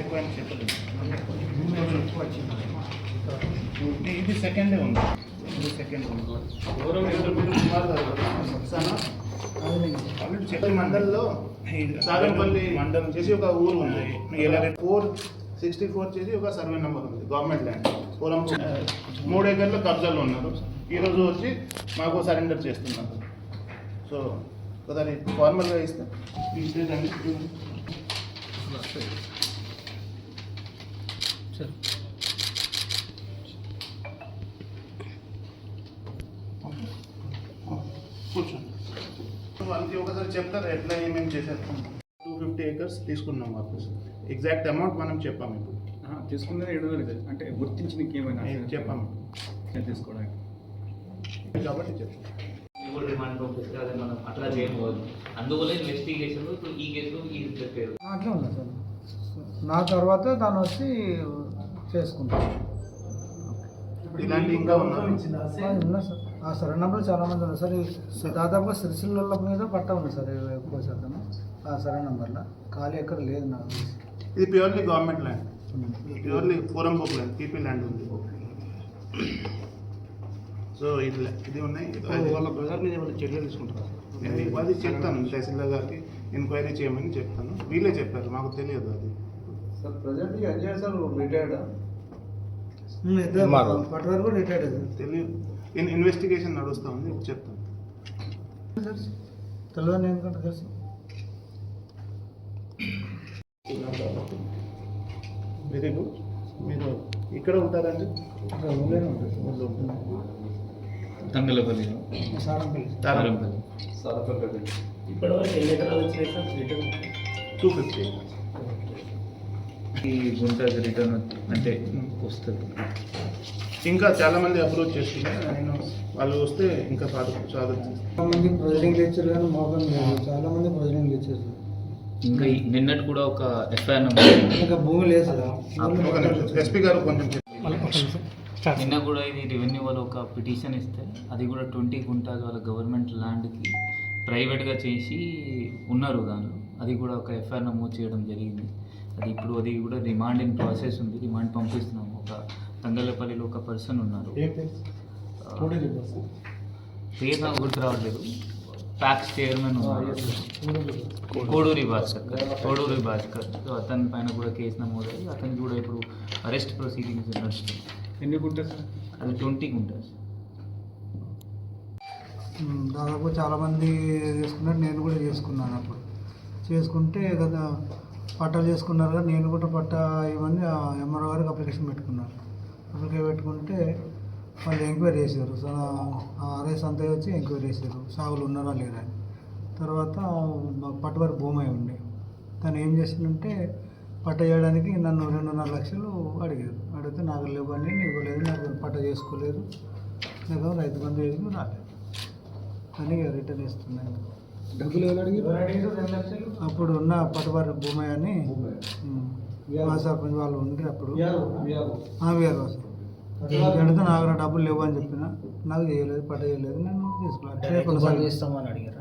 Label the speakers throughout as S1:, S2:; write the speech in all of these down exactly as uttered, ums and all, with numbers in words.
S1: ఎక్కువ అని చెప్పలేదు. ఇది సెకండే ఉంది, ఇది సెకండ్ ఉంది. చెప్పే మండల్లో సాగంపల్లి మండలం చేసి ఒక ఊరు ఉంది, ఫోర్ సిక్స్టీ ఫోర్ చేసి ఒక సర్వే నెంబర్ ఉంది, గవర్నమెంట్ ల్యాండ్ పొలం మూడు ఎకర్లు కబ్జాలు ఉన్నారు. ఈరోజు వచ్చి మాకు సరెండర్ చేస్తున్నారు. సో దాన్ని ఫార్మల్గా ఇస్తే ఇచ్చేదండి. కూర్చోండి. వాళ్ళకి ఒకసారి చెప్తారు ఎట్లా ఏమేమి చేశారు. టూ ఫిఫ్టీ ఏకర్స్ తీసుకున్నాం వాపస్. ఎగ్జాక్ట్ అమౌంట్ మనం చెప్పాము ఇప్పుడు.
S2: తీసుకున్నది ఏడు వేలు అంటే గుర్తించిన ఏమైనా
S1: చెప్పాము
S2: తీసుకోవడానికి
S1: కాబట్టి చెప్పాము.
S3: రిమాండ్ పంపిస్తే అదే మనం అట్లా చేయకూడదు. అందువల్ల ఇన్వెస్టిగేషన్ ఇప్పుడు ఈ కేసు ఈ చెప్పారు
S4: అట్లా ఉంది సార్. నా తర్వాత దాన్ని వచ్చి చేసుకుంటాను.
S1: ఇలాంటి ఇంకా ఉన్నారు
S4: ఉన్నా సార్. ఆ సరే నెంబర్ చాలా మంది ఉన్నారు సార్. దాదాపుగా సిరిసిల్ల మీద పట్ట ఉంది సార్ ఎక్కువ శాతం ఆ సరే నెంబర్లో. ఖాళీ ఎక్కడ లేదు నాకు.
S1: ఇది ప్యూర్లీ గవర్నమెంట్ ల్యాండ్, ప్యూర్లీ పూరం బుక్ ల్యాండ్, పీపీ ల్యాండ్ ఉంది. సో ఇది ఇది ఉన్నాయి.
S2: వాళ్ళ బ్రదర్ మీద ఏమైనా చర్యలు తీసుకుంటారు?
S1: నేను అది చెప్తాను తహసీల్దార్ గారికి, ఎంక్వైరీ చేయమని చెప్తాను. వీళ్ళే చెప్పారు, మాకు తెలియదు అది.
S4: Sir present Ajay sir retired పట్టువారు కూడా రిటైర్డ్
S1: తెలియదు. ఇన్ ఇన్వెస్టిగేషన్ నడుస్తూ ఉంది, చెప్తాను.
S4: తెలియదు ఎందుకంటే తెలుసు.
S1: Very good. మీరు ఇక్కడ ఉంటారండి?
S3: తంగలపల్లి
S4: సారంపల్లి
S3: ఇప్పటివరకు ఎన్ని ఎకరాలు వచ్చినాయి సార్ రిటర్న్?
S1: టూ ఫిఫ్టీ
S3: ఈ గుంటకి రిటర్న్ అంటే వస్తుంది.
S1: ఇంకా చాలా మంది అప్రోచ్ చేస్తున్నారు. నేను వాళ్ళు వస్తే ఇంకా సాధు సాధు
S4: చాలా మంది ప్రొసీడింగ్ ఇచ్చారు కానీ మోకం లేదు. చాలా మంది ప్రొసీడింగ్ ఇచ్చారు.
S3: ఇంకా నిన్నటి కూడా ఒక ఎఫ్ఐఆర్
S4: ఇంకా భూమి లేదు సార్.
S1: ఎస్పీ గారు కొంచెం
S3: నిన్న కూడా ఇది రెవెన్యూ వాళ్ళు ఒక పిటిషన్ ఇస్తే అది కూడా ట్వంటీ గుంటాస్ వాళ్ళ గవర్నమెంట్ ల్యాండ్కి ప్రైవేట్గా చేసి ఉన్నారు దానిలో. అది కూడా ఒక ఎఫ్ఐఆర్ నమోదు చేయడం జరిగింది. అది ఇప్పుడు అది కూడా రిమాండ్ ఇన్ ప్రాసెస్ ఉంది. రిమాండ్ పంపిస్తున్నాము. ఒక తంగలపల్లిలో ఒక పర్సన్ ఉన్నారు, పేరు నాకు గుర్తు రావట్లేదు. ప్యాక్స్ చైర్మన్ ఉన్నారు, కోడూరి భాస్కర్ కోడూరి భాస్కర్ సో అతని పైన కూడా కేసు నమోదయ్యి అతనికి కూడా ఇప్పుడు అరెస్ట్ ప్రొసీడింగ్స్ నడుస్తుంది.
S2: ఎన్ని గుంటాస్?
S3: అది ట్వంటీ గుంటాస్.
S4: దాదాపు చాలామంది చేసుకున్నారు, నేను కూడా చేసుకున్నాను. అప్పుడు చేసుకుంటే కదా పట్టాలు చేసుకున్నారు కదా, నేను కూడా పట్టా ఇవన్నీ ఎంఆర్ఓ గారికి అప్లికేషన్ పెట్టుకున్నాను. అప్లికేషన్ పెట్టుకుంటే వాళ్ళు ఎంక్వైరీ చేశారు. ఆర్ఎస్ అంతా వచ్చి ఎంక్వైరీ చేశారు సాగులు ఉన్నారా లేదా అని. తర్వాత పట్టువారి భూమి అయి ఉండే తను ఏం చేసిందంటే పట్ట చేయడానికి నన్ను రెండున్నర లక్షలు అడిగారు. అడిగితే నాకు లేవని ఇవ్వలేదు, నాకు పట్ట చేసుకోలేదు, నాకు రైతు బంధు వేసి రాలేదు అని రిటర్న్ ఇస్తున్నాను.
S2: డబ్బులు ఎవరు అడిగారు?
S4: అప్పుడు ఉన్న పట్టువారి భూమి అని మా సర్పంచ్ వాళ్ళు ఉండి అప్పుడు వీఆర్ వాసు అడిగితే నాకు డబ్బులు లేవు అని చెప్పిన. నాకు చేయలేదు, పట్ట చేయలేదు, నేను తీసుకోలేదు.
S5: చేస్తామని అడిగారా?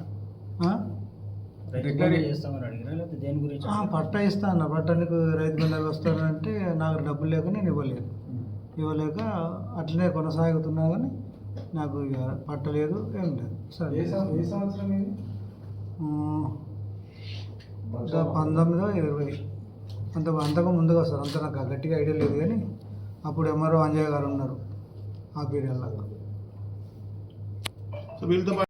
S5: చేస్తామని అడిగారా లేకపోతే దేని గురించి?
S4: పట్ట ఇస్తా అన్న. పట్ట నీకు రైతు బంధాలు వస్తానంటే నాకు డబ్బులు లేక నేను ఇవ్వలేదు. ఇవ్వలేక అట్లనే కొనసాగుతున్నా కానీ నాకు ఇక పట్టలేదు, ఏం లేదు. సరే పంతొమ్మిదో ఇరవై అంత అంతకు ముందుగా వస్తారు. అంత నాకు గట్టిగా ఐడియా లేదు కానీ అప్పుడు ఎంఆర్ఓ అంజయ్య గారు ఉన్నారు ఆ పీరియడ్లో.
S1: సో వీళ్ళతో